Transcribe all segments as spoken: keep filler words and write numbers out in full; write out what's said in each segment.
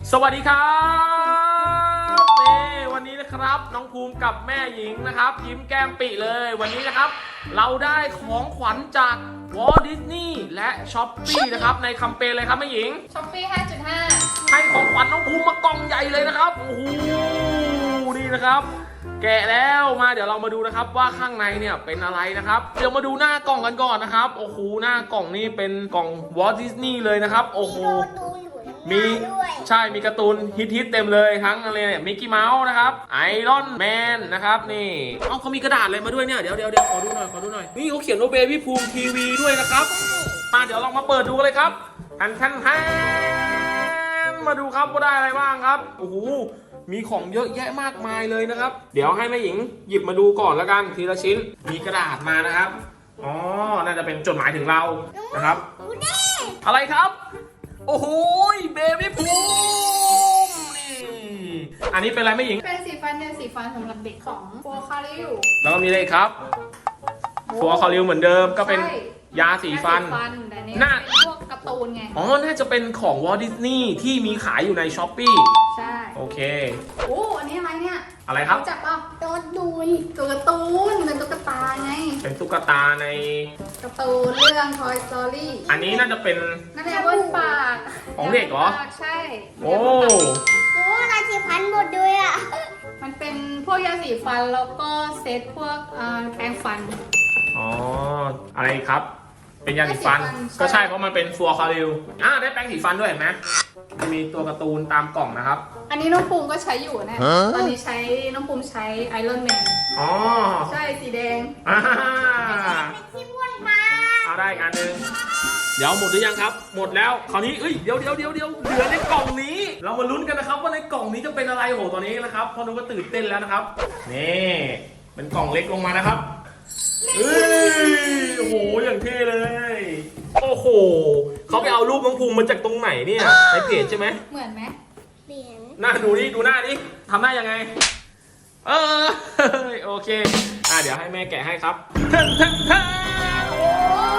สวัสดีครับนี่วันนี้นะครับน้องภูมิกับแม่หญิงนะครับยิ้มแก้มปิเลยวันนี้นะครับเราได้ของขวัญจากวอลต์ดิสนีย์และช้อปปี้นะครับในแคมเปญเลยครับแม่หญิงช้อปปี้ ห้าจุดห้าให้ของขวัญน้องภูมิมากล่องใหญ่เลยนะครับโอ้โหนี่นะครับแกะแล้วมาเดี๋ยวเรามาดูนะครับว่าข้างในเนี่ยเป็นอะไรนะครับเดี๋ยวมาดูหน้ากล่องกันก่อนนะครับโอ้โหหน้ากล่องนี่เป็นกล่องวอลต์ดิสนีย์เลยนะครับโอ้โหมีใช่มีการ์ตูนฮิตๆเต็มเลยทั้งอะไรเนี่ยมิกกี้เมาส์นะครับไอรอนแมนนะครับนี่เอ้าเขามีกระดาษอะไรมาด้วยเนี่ยเดี๋ยวเดี๋ยวเดี๋ยวขอดูหน่อยขอดูหน่อยนี่เขาเขียนว่าเบบี้ภูมิทีวีด้วยนะครับมาเดี๋ยวลองมาเปิดดูกันเลยครับทันทันทันมาดูครับว่าได้อะไรบ้างครับโอ้โหมีของเยอะแยะมากมายเลยนะครับเดี๋ยวให้แม่หญิงหยิบมาดูก่อนแล้วกันทีละชิ้นมีกระดาษมานะครับอ๋อน่าจะเป็นจดหมายถึงเรานะครับอะไรครับโอ้โหเบบี้ภูมินี่อันนี้เป็นอะไรแม่หญิงเป็นสีฟันเนี่ยสีฟันสำหรับเด็กของโฟคาริวแล้วก็มีอะไรครับฟัวคอริวเหมือนเดิมก็เป็นยาสีฟันน่าพวกการ์ตูนไงอ๋อน่าจะเป็นของวอลต์ดิสนีย์ที่มีขายอยู่ในช้อปปี้ใช่โอเคโอ้อันนี้อะไรเนี่ยอะไรครับจับป่ะตัวดูนตัวการ์ตูนเป็นตุ๊กตาไงเป็นตุ๊กตาในการ์ตูนเรื่อง Toy Story อันนี้น่าจะเป็นน่าจะเป็นปากของเด็กเหรอใช่โอ้โอ้ยาสีฟันหมดด้วยอ่ะมันเป็นพวกยาสีฟันแล้วก็เซตพวกแปรงฟันอ๋ออะไรครับเป็นยาสีฟันก็ใช่เพราะมันเป็นฟัวคอริวอ่าได้แปรงสีฟันด้วยเห็นไหมมีตัวการ์ตูนตามกล่องนะครับอันนี้น้องภูมิก็ใช้อยู่นะตอนนี้ใช้น้องภูมิใช้ไอรอนแมนอ๋อใช่สีแดงอ่าที่บ้วนมาเอาได้อันนึงเดี๋ยวหมดหรือยังครับหมดแล้วคราวนี้เอ้ยเดี๋ยวเดี๋ยวเดี๋ยวเดี๋ยวเหลือในกล่องนี้เรามาลุ้นกันนะครับว่าในกล่องนี้จะเป็นอะไรโหตอนนี้นะครับพอนุก็ตื่นเต้นแล้วนะครับนี่เป็นกล่องเล็กลงมานะครับเฮ้ยโอ้โหอย่างเท่เลยโอ้โหเขาไปเอารูปน้องภูมิมาจากตรงไหนเนี่ยในเพจใช่ไหมเหมือนไหมเหมือนหน้าดูนี่ดูหน้านี่ทำหน้ายังไงเออโอเคอ่ะเดี๋ยวให้แม่แกะให้ครับท่านท่านท่านโอ้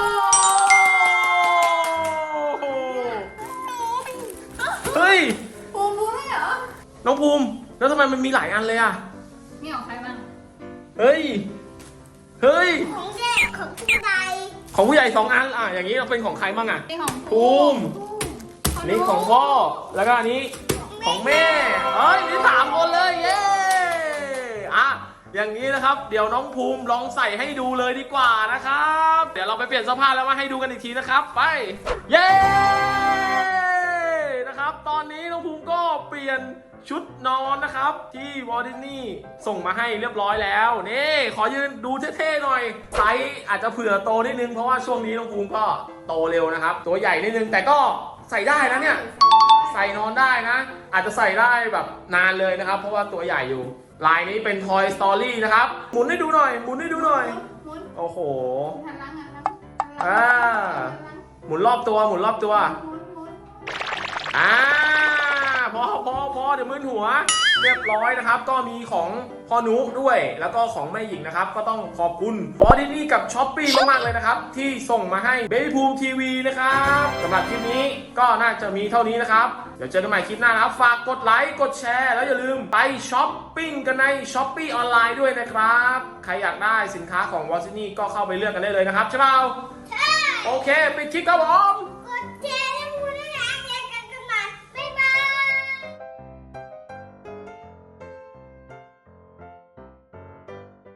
เฮ้ยภูมิรู้ไหมเหรอน้องภูมิแล้วทำไมมันมีหลายอันเลยอ่ะมีของใครบ้างเฮ้ยเฮ้ยของเด็กของผู้ใหญ่ของผู้ใหญ่สองอันอ่ะอย่างนี้เราเป็นของใครบ้างอ่ะของภูมินี่ของพ่อแล้วก็อันนี้ของแม่เอ้ยนี่สามคนเลยเย้อ่ะอย่างนี้นะครับเดี๋ยวน้องภูมิลองใส่ให้ดูเลยดีกว่านะครับเดี๋ยวเราไปเปลี่ยนเสื้อผ้าแล้วมาให้ดูกันอีกทีนะครับไปเย้นะครับตอนนี้น้องภูมิก็เปลี่ยนชุดนอนนะครับที่วอลต์ดิสนีย์ส่งมาให้เรียบร้อยแล้วนี่ขอยืนดูเท่ๆหน่อยไซส์อาจจะเผื่อโตนิดนึงเพราะว่าช่วงนี้น้องภูมิก็โตเร็วนะครับตัวใหญ่นิดนึงแต่ก็ใส่ได้นะเนี่ยใส่นอนได้นะอาจจะใส่ได้แบบนานเลยนะครับเพราะว่าตัวใหญ่อยู่ลายนี้เป็น Toy Story นะครับหมุนให้ดูหน่อยหมุนให้ดูหน่อยโอ้โหอ่าหมุนรอบตัวหมุนรอบตัวอ่าพอพอพอเดี๋ยวมึนหัวเรียบร้อยนะครับก็มีของพ่อนุด้วยแล้วก็ของแม่หญิงนะครับก็ต้องขอบคุณวอลต์ดิสนีย์กับช้อปปี้มากๆเลยนะครับที่ส่งมาให้เบบี้ภูมิทีวีนะครับสำหรับคลิปนี้ก็น่าจะมีเท่านี้นะครับเดี๋ยวเจอกันใหม่คลิปหน้านะครับฝากกดไลค์กดแชร์แล้วอย่าลืมไปช้อปปิ้งกันในช้อปปี้ออนไลน์ด้วยนะครับใครอยากได้สินค้าของวอลต์ดิสนีย์ก็เข้าไปเลือกกันได้เลยนะครับใช่เปล่าใช่โอเคปิดคลิปครับผม